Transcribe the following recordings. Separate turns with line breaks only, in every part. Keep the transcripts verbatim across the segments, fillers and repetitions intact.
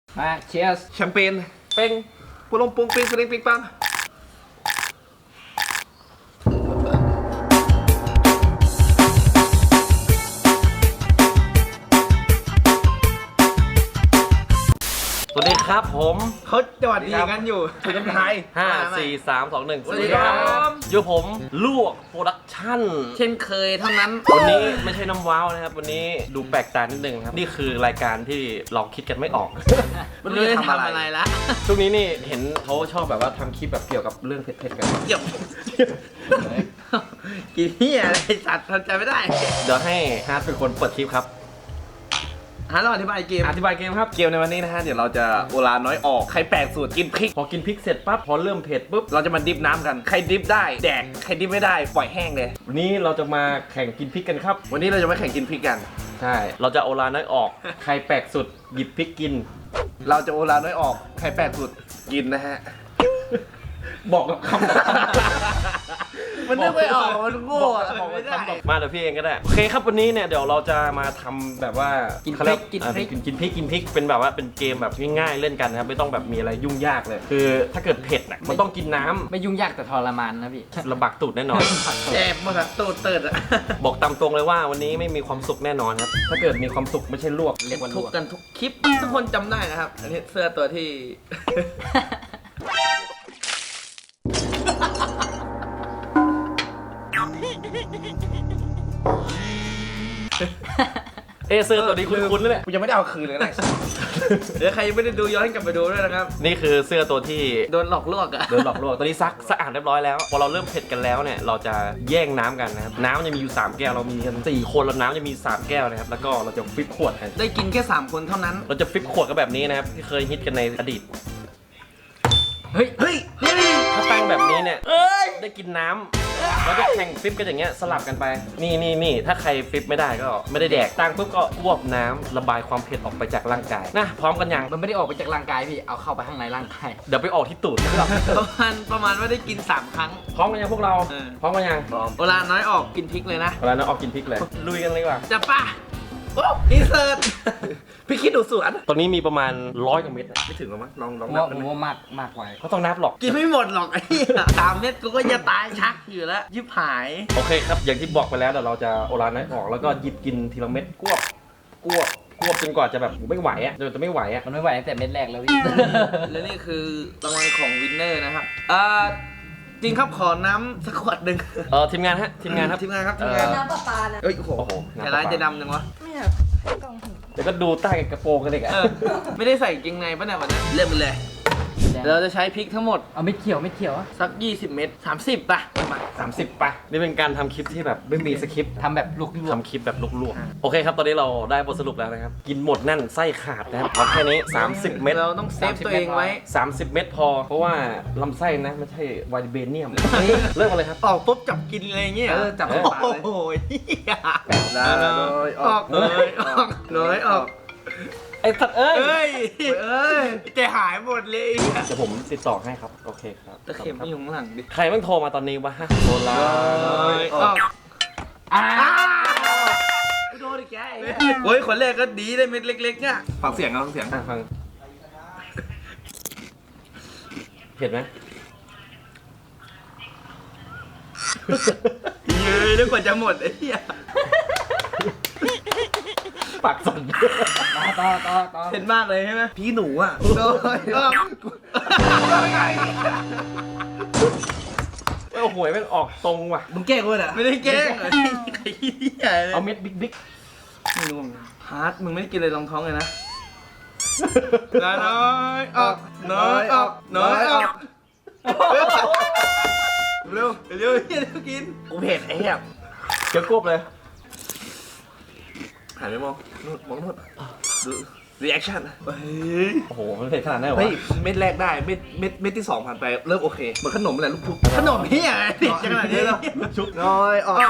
มาเชียร์
แชมเปญ
เป้ง
ปุลงปุงปิงสลิงปิงปัง
สวัสดีครับผม
เขาจอดดีกันอยู่ถึงกันไทย
ห้า สี่ สาม สอง หนึ่ง
สวัสดีครับ
อยู่ผมลวกโปรดักชั่น
เช่นเคยเท่านั้น
วันนี้ไม่ใช่น้ำว้าวนะครับ วันนี้ดูแปลกตานิดนึงครับ นี่คือรายการที่เราคิดกันไม่ออก
มันไม่ได้ทำอะไรละ
ช่วงนี้นี่เห็นเขาชอบแบบว่าทำคลิปแบบเกี่ยวกับเรื่องเผ็ดๆกัน
เกี่ยวกี่เหี้ยอะไรสัตว์ทำใจไม่ได้
เดี๋ยวให้ฮาร์ดเป็นคนเปิดคลิปครับ
หาเราอธิบายเกม
อธิบายเกมครับ
เกมในวันนี้นะฮะเดี๋ยวเราจะโอลาน้อยออกใครแปลกสูตรกินพริก
พอกินพริกเสร็จปั๊บพอเริ่มเผ็ดปุ๊บ
เราจะมาดิฟน้ำกันใครดิฟได้แดกใครดิฟไม่ได้ปล่อยแห้งเลย
วันนี้เราจะมาแข่งกินพริกกันครับ
วันนี้เราจะมาแข่งกินพริกกัน
ใช่ เราจะโอลาน้อยออก ใครแปลกสุดหยิบพริกกิน
เราจะโอลาน้อยออกใครแปลกสูตรกินนะฮะ
บอกกับคำ
มันนึกไม่ออกมันโง่อะ
บอก
ไม่
กับ
ได้
คำมาเดี๋ยวพี่เองก็ได้โอเคครับวันนี้เนี่ยเดี๋ยวเราจะมาทำแบบว่า
กิ
กิ
นพริกกินพริก
กินพริกกินพริกเป็นแบบว่าเป็นเกมแบบง่ายๆเล่นกันนะครับไม่ต้องแบบมีอะไรยุ่งยากเลย คือถ้าเกิดเผ็ดน่ะมันต้องกินน้ำ
ไม่ยุ่งยากแต่ทรมานนะพี่
ลำบากตูดแน่นอน
แจ็บหมดอะตูดเติร์ดอะ
บอกตามตรงเลยว่าวันนี้ไม่มีความสุขแน่นอนครับถ้าเกิดมีความสุขไม่ใช่ลวกเรียกว่าล
ทุก
วก
กันทุกคลิปทุกคนจำได้นะครับอันนี้เสื้อตัวที่
เอะเสื้อตัวนี้คุ้นๆเลยแหละ
กูยังไม่ได้เอาคืนเลยนะเดี๋ยวใครยังไม่ได้ดูย้อนกลับไปดูด้วยนะครับ
นี่คือเสื้อตัวที่
โดนหลอกลวกอะ
โดนหลอกลวงตอนนี้ซักสะอาดเรียบร้อยแล้ว พอเราเริ่มเผ็ดกันแล้วเนี่ยเราจะแย่งน้ำกันนะครับน้ำจะมีอยู่สามแก้วเรามีกันสี่คนแล้วน้ำจะมีสามแก้วนะครับแล้วก็เราจะฟิปขวดกัน
ได้กินแค่สามคนเท่านั้น
เราจะฟิปขวดกันแบบนี้นะครับที่เคยฮิตกันในอดีต
เฮ้ย
เฮ้ย
ถ้าตั้งแบบนี้เนี่ยได้กินน้ำเราจะแข่งฟิปกันอย่างเงี้ยสลับกันไปนี่นี่นี่ถ้าใครฟิปไม่ได้ก็ไม่ได้แดกตั้งปุ๊บก็อ้วกน้ำระบายความเผ็ดออกไปจากร่างกายนะพร้อมกันยัง
มันไม่ได้ออกไปจากร่างกายพี่เอาเข้าไปข้างในร่างกาย
เดี๋ยวไปออกที่ตูด
ประมาณประมาณว่าได้กินสามครั้ง
พร้อมกันยังพวกเรา
เออ
พร้อมกันยัง
เวลาน้อยออกกินพริกเลยนะ
เวลาเราออกกินพริกเลยลุยกันเลยดีกว่า
จะป่ะ
โอ้อินเสิร์ตพี่คิดดูสวน
ตรงนี้มีประมาณร้อยกว่าเม็ดนะ
ไม่ถึงหรอมั้งลองลอง
ผม
นับ
ว่า
กั
ผ
น
ม
ไหม
ว่ามากมากไว้
เขาต้องนับหรอก
กินไม่หมดหรอกไอ้เหี้ยสามเม็ดกูก็จะตายชักอยู่แล้วยิบหาย
โอเคครับ อย่างที่บอกไปแล้วเดี๋ยวเราจะโอรานน้อยออกแล้วก็หยิบกินทีละเม็ดกวบกวบกวบจนกว่าจะแบบไม่ไหวอ่ะจนจะไม่ไหวอ่ะ
มันไม่ไหวตั้งแต่เม็ดแรกแล้วพี่ และนี่คือรางวัลของวินเนอร์นะครับอ่าจริงครับขอน้ำสักขวดหนึ่ง
เออทีมงานฮะทีมงานครับ
ทีมงานครับทีมงาน
เออ
น้ำประปานะ
เอ้ยโอ้โห
โอ้โห
แต่ร้านจะดำจังวะ
ไม่อยากให้กล่องหู
เดี๋ยวก็ดูใต้กระโปรงกันเลยอ่ะ
เออไม่ได้ใส่กางเกงในป่ะเนี่ยวันนั้นเริ่มไปเลยเดี๋ยวเราจะใช้พริกทั้งหมด
เอาไม่เขียวไม่เขียวอะ
สักยี่สิบเม็ดสามสิบป่ะประมาณ
สามสิบป่ะนี่เป็นการทำคลิปที่แบบไม่มีสคริปต์
ทำแบบลวก
ทำคลิปแบบลวกๆโอเคครับตอนนี้เราได้บทสรุปแล้วนะครับกินหมดนั่นไส้ขาดนะครับเอาแค่นี้สามสิบเม็ด
เราต้องเซฟตัวเองไว้
สามสิบเม็ดพอ เพราะว่าลำไส้นะไม่ใช่ไวท์เบเนียมเริ่มกันเลยครับ
ออกปุ๊บจับกินอะไรอย่างเงี้ย
เออจับ
เออ
ปาก
โอ้
เลย
โหเหี้ย
ลาน้อยอ
อ
อ
อก กเลยออกเลยออก
ไอ้สัตว์เอ้ย
เอ้ย
เอ้ย
ใจหายหมดเลย
เดี๋ยวผมติดต่อให้ครับโอเคครับ
ตะเข็มไม่อยู่ข้างหลังดิ
ใครมันโทรมาตอนนี้วะฮะโทรลา
เลยออก
อ่า
โดนอีกแก
โอ้ยคนแรกก็ดีได้เม็ดเล็กๆเนี่ยฟังเสียงเอาฟังเสียง
อ่ะฟังเห็นไหม
เย้ยแล้วกว่าจะหมดไอ้เหี้ย
ปากสั่น
ต่อต่อต่อต่อ
เห็นมากเลยใช่ไหม
พี่หนูอ่ะ
โดนออก
โอ้โหแม่งออกตรงว่ะ
มึงแกล้งกูเหรอ
ไม่ได้แกล้งไอ้เหี้ยเลย
เอาเม็ดบิ๊กบิ๊ก
ไม่รู้ฮาร์ดมึงไม่ได้กินอะไรรองท้องเลยนะน้อยออกน้อยออกน้อยออกเร็วเร็วเร็วกิน
กูเผ็ดไอ้เหี้ย
เกี่ยวกบเลย
หันไปมองนู่นมองนู่นดูรีแอคชั่น
เฮ้ย
โอ้โหมันเผ็ดขนาดนั้นเหรอ
เฮ้
วะ
ยเม็ดแรกได้เม็ดเม็ดเม็ดที่สองผ่านไปเริ่มโอเคเหมือนขนมแหละลูกชุบ
ขนมเหี้ยอะไรติดขนาดนี้แล้ว
ชุบน้อยออก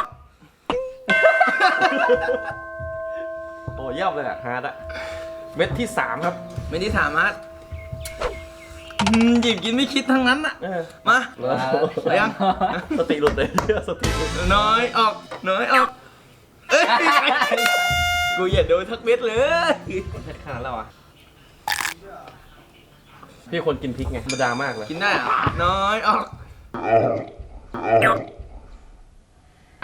โอ้เยี่ยมเลยอะฮาร์ดอะเม็ดที่สามครับ
ไม่ได้ถามฮาร์ดหยิบกินไม่คิดทั้งนั้นอะ
เออ
มา
แล้ว
ไปยัง
สติหลุดเลยสติหลุด
น้อยออกน้อยออกเอ้ยกูอย่าโดนทักเม็ดเลย
เผ็ดขนาดแล้วอ่ะพี่คนกินพริกไงธรรมดามากเลย
กินได้เหรอน้อยออก
เอา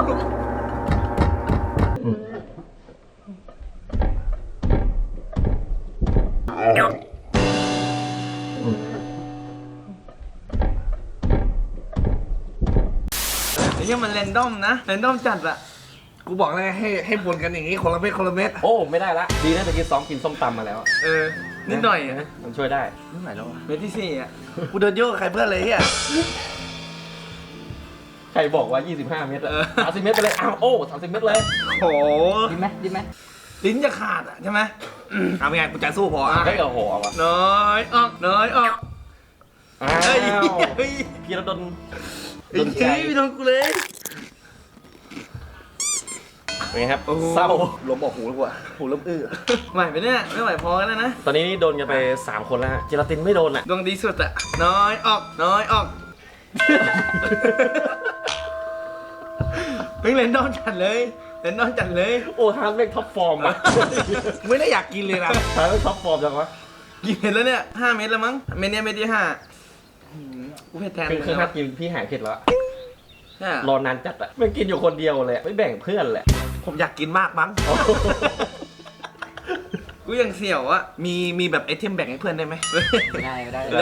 ไอ้เหี้ยมันเรนดอมนะเรนดอมจัดอะ
กูบอกเลยให้ให้บนกันอย่างนี้คนละเม็ดคนละเม็ด
โอ้ไม่ได้ละดีนะตะกี้ซ้อมกินส้มตำมาแล้ว
เออนิดหน่อยอะ
มันช่วยได้
เมื่อไหร่แล้ววะ
เม็ดที่สี่อะ
กูเดินโยกกับใครเพื่อนเลยเฮีย
ใครบอกว่า ยี่สิบห้า เมตรอะสามสิบเมตรไปเลย อ้าว โอ้สามสิบเมตรเลย
โอ้โห
ดีไหมดีไหม
ลิ้นจะขาดอะใช่ไหม
เอาเป็นไงกูจะสู้พออ่ะ
เฮ้ยโอ้โหเอาวะ
น้อยออกน้อยออก
อ้า
เฮ้ยว เฮ้ย
พี่ระดน
ไอ้เฮ้ยไม่โดนกูเลย
เป็นไงครับ
โอ้โห
เศร้า
ลมออกหูแล้วกูอ่ะหูเริ่มอื้อ
ไหวไปเนี่ยไม่ไหวพอแล้วนะ
ตอนนี้นี่โดนกันไป สาม คนแล้วฮะเจลาตินไม่โดนอ่ะ
ดวงดีสุดอะน้อยออกน้อยออกเพิ่งเล่นดอนจัดเลยเล่นดอนจัดเลย
โอ้ฮาร์ดเล่นท็อปฟอร์มอะ
ไม่ได้อยากกินเลยนะ
ฮาร์ดเล่นท็อปฟอร์มจังวะ
กี่เม็ดแล้วเนี่ยห้าเม็ดแล้วมั้งเม็ดเนี้ยเม็ดที่ห้าหืมกูเผ็ดแทน
คือคือ
มึง
ฮา
แล้
ร์
ว
ดกินพี่หายเผ็ดแล้วอะ
เนี่ย
รอนานจัดอะไม่กินอยู่คนเดียวเลยอะไม่แบ่งเพื่อนแหละ
ผมอยากกินมากมั้ง
กูยังเสี่ยวอะ
มีมีแบบไอเทมแบ่งให้เพื่อนได้ไหม
ได้ได้
ได้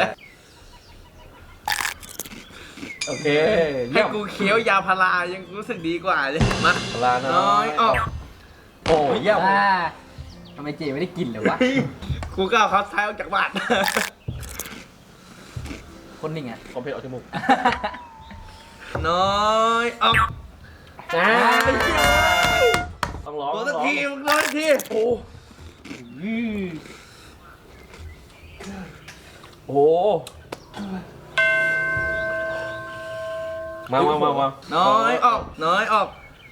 โอเค
ให้
เยี่ยม
กูเคี้ยวยาพารายังรู้สึกดีกว่าเลยมา
ลาน้
น้
อ
อย ยออก
โอ้เยี่ยม
อ่าทำไมเจไม่ได้กินเลยวะ
กูก้าวเขาท้ายออกจากบ้าน
คนหนึ่งอ่ะ
ความเผ็ดออกจมูก
น้อยออก
อ่าต้องร้อง
ตัว
ต้
สั
อก งร้อง
ทีมึงร้อยที
โอ้โหมามามามา
น้อยออกน้อยออก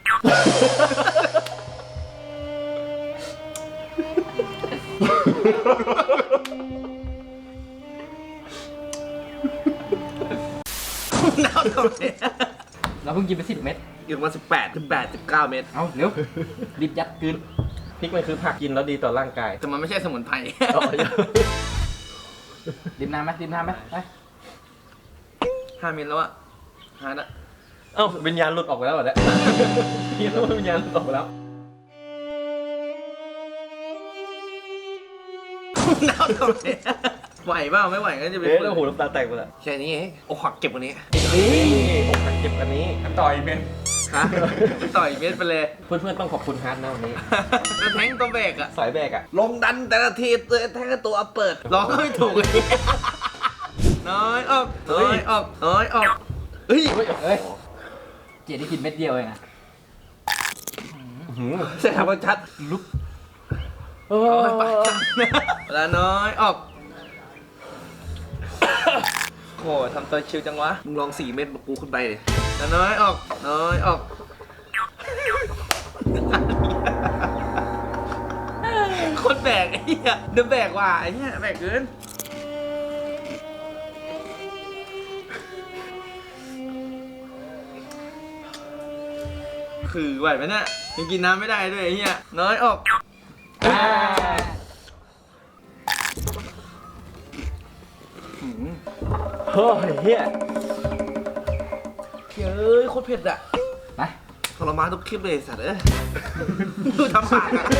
น้ำทำไม
เราเพิ่งกินไปสิบเม็ด
อยู่มาสิบแปดสิบแปดสิบเก้าเม็ด
เอาเร็วรีบยัดกลืน
พริกมันคือผักกินแล้วดีต่อร่างกาย
แต่มันไม่ใช่สมุนไพร
อ๋อ
ริมน้ำไหมริมน้ำไหมไป
ห้าเมตรแล้วอะหาละ
เอ้าวิญญาณหลุดออกไปแล้วเหรอเนี่ยพี่รู้ว่าวิญญาณหลุดออกไปแล้ว
น้ำทำไมไหวเปล่าไม่ไหวก็จะไป
เอ๊ะแล้วหูน้ำตาแตกไปแล้ว
แค่นี้เองโอ้หักเก็บกว่านี้
นี่อกหักเจ็บอันนี้
ต่อยเมตรฮะต่อยเมตรไปเลย
เพื่อนๆต้องขอบคุณฮาร์ดนะวันนี้
แล้วแทงตัวเบรกอะ
สายแบกอะ
ลงดันแต่ละทีตัวแท้ตัวเปิด
ร้องก็ไม่ถูกเลยน้อยออกน้อยออกน้อยออกเฮ้ย
เฮ้ย
เอ้ยเจได้กินเม็ดเดียวเองอ่ะ
หืม
ใช่ครับว่าชัด
ลุก
เออ
เอาไปเวลาน้อยออกโหทำตัวชิวจังวะ
มึงลองสี่เม็ดมากูขึ้นไปดิ
เวลาน้อยออกน้อยออกคนแบกไอ้เหี้ยเดินแบกว่ะไอ้เหี้ยแบกเกินคือไหวไหมเนี่ยยังกินน้ำไม่ได้ด้วยไอ้เหี้ยน้อยออก
อ่า
เฮ้ยเฮีย
เฮ้ยโคตรเผ็ดอะ
ไป
ทรมานทุกคลิปเลยไอ้สัตว์เอ้ย
ดูทำปากอะ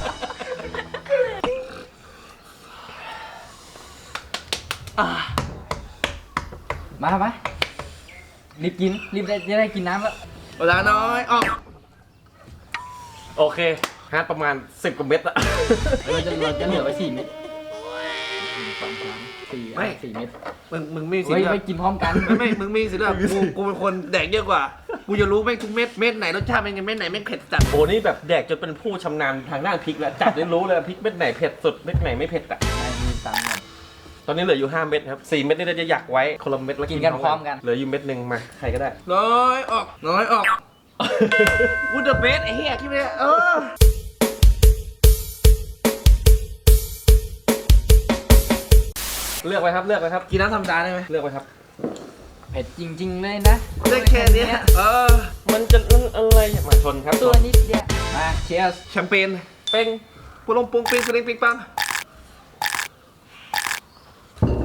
มาไปรีบกินรีบได้จะได้กินน้ำแล้ว
เวลาน้อยออก
โอเคฮาร์ดประมาณสิบกว่าเม็ดอะ
เราจะเราจะเหลือไว้สี่เม็ดหนึ่งสองสามสี่อ่ะสี่เม็ด
มึงมึงไม่มีสิท
เฮ้ย
ธิ์เลือก
ไม่กินพร้อมกัน
ไม่ไม่มึงมีสิทธิ์เลือกกูกูเป็นคนแดกเยอะกว่า กูจะรู้แม่งทุกเม็ดเม็ดไหนรสชาติเป็นไงเม็ดไหนแม่งเผ็ดจัด
โอ้นี่แบบแดกจนเป็นผู้ชำนาญทางด้านพริกแล้วจับได้รู้เลยพริกเม็ดไหนเผ็ดสุดเม็ดไหนไม่เผ็ดอะ
ไม่มีตังค์ก่อน
ตอนนี้เหลืออยู่ห้าเม็ดครับสี่เม็ดนี่เราจะอยากไว้คนละเม็ดแล้ว
กินกันพร้อมกัน
เหลืออยู่เม็ดหนึ่งมาใครก็ได้
น้อยออกน้อยออก
กูเดอะเบสไอ้เหี้ยคิดไม่ได้เออ
เลือกไปครับเลือกไปครับ
กินน้ำธรรมดาได้ไหม
เลือกไปครับ
เผ็ดจริง ๆ เลยนะ
ได้แค่เนี้ยเออ
มันจะอะไรมาชนครับ
ตัวนิดเดียวมาเชียร์
แชมเปญ
เป้ง
ปูลงปุงปิงสลิงปิงปัง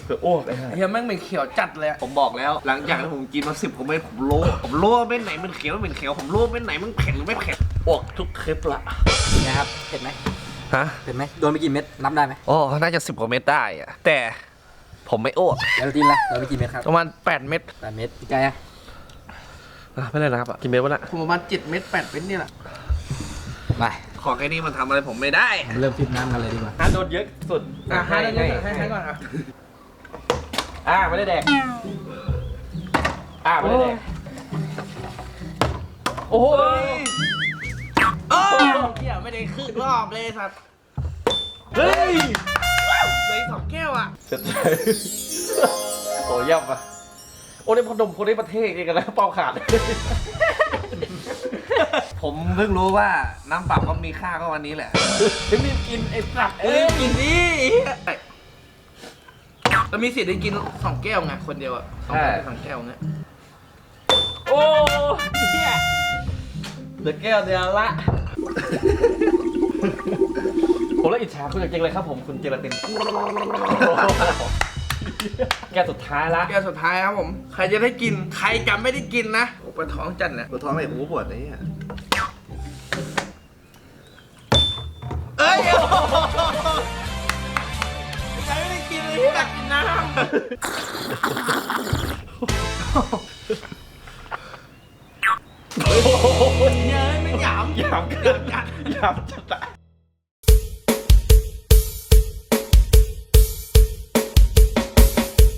เผื่ออ้วกไอ้ห่า
เฮียแม่งเป็นเขียวจัดเลยอะ
ผมบอกแล้ว หลังจากที่ผมกินมาสิบกว่าเม็ดผมรู้ผมรู้ว่าเม็ดไหนมันเขียวไม่เป็นเขียวผมรู้ว่าเม็ดไหนมันเผ็ดหรือไม่เผ็ด
อ้วกทุกคลิปละ
นะครับเผ็ดไหม
ฮะ
เผ็ดไหมโดนไปกี่เม็ดนับได้ไหม
โอ้น่าจะสิบกว่าเม็ดได้อะแต่ผมไม่อ้วก
เดี๋ยวเรากินละโดนไปกี่เม็ดครับ
ประมาณแปดเม็ด
แปดเม็ดพี่ไก่อะ
อ่ะไม่ได้นะครับอ่ะกินเม็ดวะน่ะ
ผมประมาณเจ็ดเม็ดแปดเม็ดนี่แหละ
ไป
ของแค่นี้มันทำอะไรผมไม่ได้
เริ่มฟิตน้ำกันเลยดีกว่า
อ่ะโดนเยอะสุด
อ่ะให้ให้ให้ให้ก่อนอ่ะ
อ่ะไม่ได้แดกอ่ะไม่ได้แดกโอ้ย
โอ้เฮียไม่ได้ครึ่งรอบเลยสัตว์
เฮ้ย
เหลยสองแก้วอ่ะ
เสร็จเลยโอ้ยยับอ่ะโอ้ในพนมคนในประเทศเองกันแล้วเป่าขาด
ผมเพิ่งรู้ว่าน้ำเปล่าก็มีค่าก็วันนี้แหละ
รีบกินไอ้สัตว์
เอ้
เอ้
ย
ย
กินดิเรามีสิทธิ์ได้กินสองแก้วไงคนเดียวอ่ะสองแก้วสองแก้วเงี้ย
โอ้เนี่ยเหลือแก้วเดียวละผมแล้วอิจฉาคุณจริงๆเลยครับผมคุณเจรตินแก้วสุดท้ายละ
แก้วสุดท้ายครับผม ใครจะได้กิน ใครจะไม่ได้กินนะโอ้ปวดท้องจัดแหละ
ปวดท้องเลยหูปวดไอ้เนี่ย
เอ้ยใครไม่ได้กินเลยอยากกินน้ำเฮ้ยไม่หยาม
หยามกันหยามจัด